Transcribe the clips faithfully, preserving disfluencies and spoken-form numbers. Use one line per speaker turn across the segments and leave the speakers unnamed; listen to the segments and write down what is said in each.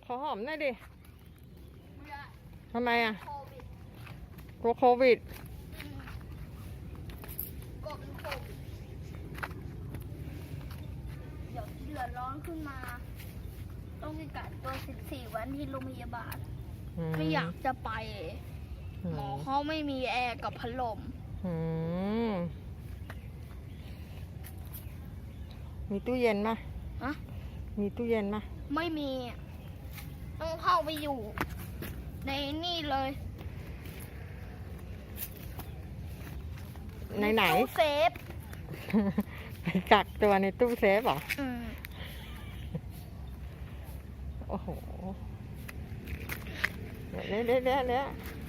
ขอหอมหน่อยดิ
ไม่ได้
ทำไมอ่ะ
โควิด
กลัวโควิด
อืมกลัวเป็นโควิดเดี๋ยวเดือดร้อนขึ้นมา ต้องไปกักตัวสิบสี่วันที่โรงพยาบาล ไม่อยากจะไป หมอเขาไม่มีแอร์กับพัดลม
อืมมีตู้เย็นมั้ย
ฮะ
มีตู้เย็นมั้ย
ไม่มีอะต้องเข้าไปอยู่ ในนี่เลย
ในไหน
ตู้เซฟ
ไปกักตัวในตู้เซฟเหรอ
อืม
โอ้โหเดี๋ยวเดี๋ยวเดี๋ยวเดี๋ยว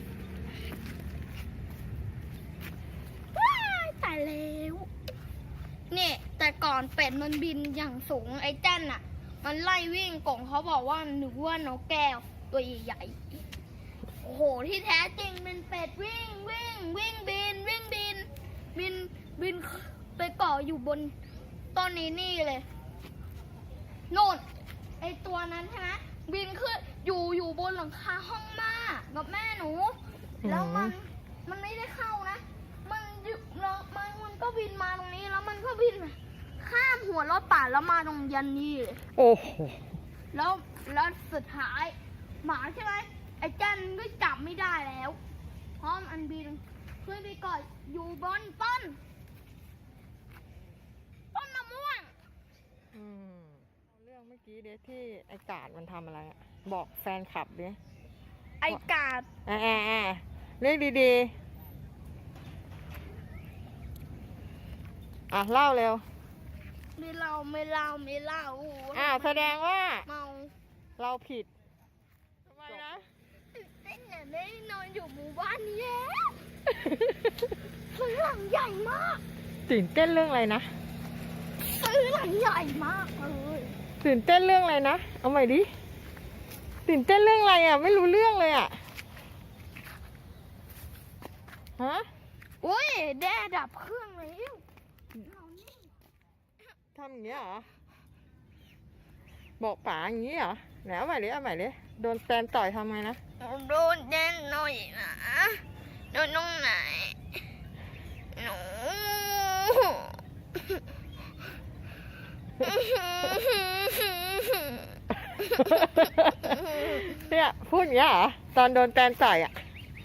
ว้ายตายแล้วเนี่ยแต่ก่อนเป็ดมันบินอย่างสูงไอ้แจ้นน่ะ มันไล่วิ่งกงเขาบอกว่านึกว่านกแก้วตัวใหญ่ๆโอ้โหที่แท้จริงเป็นเป็ดวิ่งวิ่งวิ่งบินวิ่งบิน บินบินไปเกาะอยู่บนต้นนี้นี่เลยโน่นไอตัวนั้นใช่ไหมบินขึ้นอยู่อยู่บนหลังคาห้องม่ากับแม่หนู แล้วมันมันไม่ได้เข้านะ มันอยู่แล้วมันมันก็บินมาตรงนี้แล้วมันก็บินข้ามหัวรถป่าแล้วมาตรงยันนี่เลย
โอ้โห
แล้วแล้วสุดท้ายหมาใช่ไหมไอ้จันก็จับไม่ได้แล้วเพราะมันบินขึ้นไปเกาะอยู่บนต้นต้นมะม่วง
อืมเรื่องเมื่อกี้เดี๋ยวที่ไอ้กาดมันทำอะไรอะบอกแฟนคลับดิ
ไอ้กาด
อ่าอ่าอ่าเรียกดีๆอ่ะเล่าเร็ว
ไม่เล่าไม่เล่าไม่เล่า
อ่าแสดงว่า
เมา
เราผิดทำไมนะ
เต้นเนี่ยได้นอนอยู่หมู่บ้านนี้แล้วซื้อหลังใหญ่มาก
ตื่นเต้นเรื่องอะไรนะ
ซื้อหลังใหญ่มากเลย
ตื่นเต้นเรื่องอะไรนะ เอาใหม่ดิ ตื่นเต้นเรื่องอะไรอ่ะ ไม่รู้เรื่องเลยอ่ะ ฮะ
โอ้ยแด้ดับเครื่องแล้วเรานี่
ทำอย่างนี้เหรอ บอกป๋าอย่างนี้เหรอไหนเอาใหม่ดิเอาใหม่ดิโดนแฟนต่อยทำไงนะ
โดนแน่นหน่อยนะโดนตรงไหนหนู
เนี่ยพูดอย่างนี้เหรอ ตอนโดนแฟนต่อยอ่ะ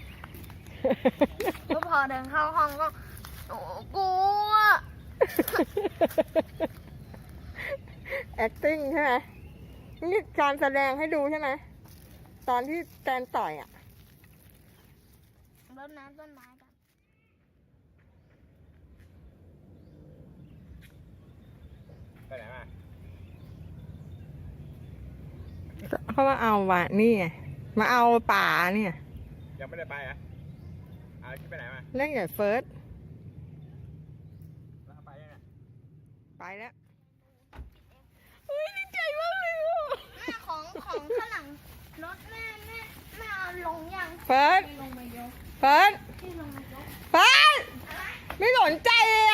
ก็พอเดินเข้าห้องก็หนูกลัว
acting ใช่ไหมนี่การแสดงให้ดูใช่ไหม ตอนที่แฟนต่อยอ่ะ
รดน้ำต้นไม้กัน
ไปไหนมา
เขามาเอาว่ะนี่ไงมาเอาป่าเนี่ย
ยังไม่ได้ไปอ่ะเอาที่ไปไหนมา
เล่นกับเฟิร์ส
แล้วไปยังไง
ไปแล้วเฮ้ยดีใจมากเลยอ่ะ
แม่ของของข้างหลังรถแม่แม่แม่เอาลงยัง
เฟิร์ส
ที่ลงมายก
เฟิร์ส
ที่ลงมายก
เฟิร์สไม่สนใจเลย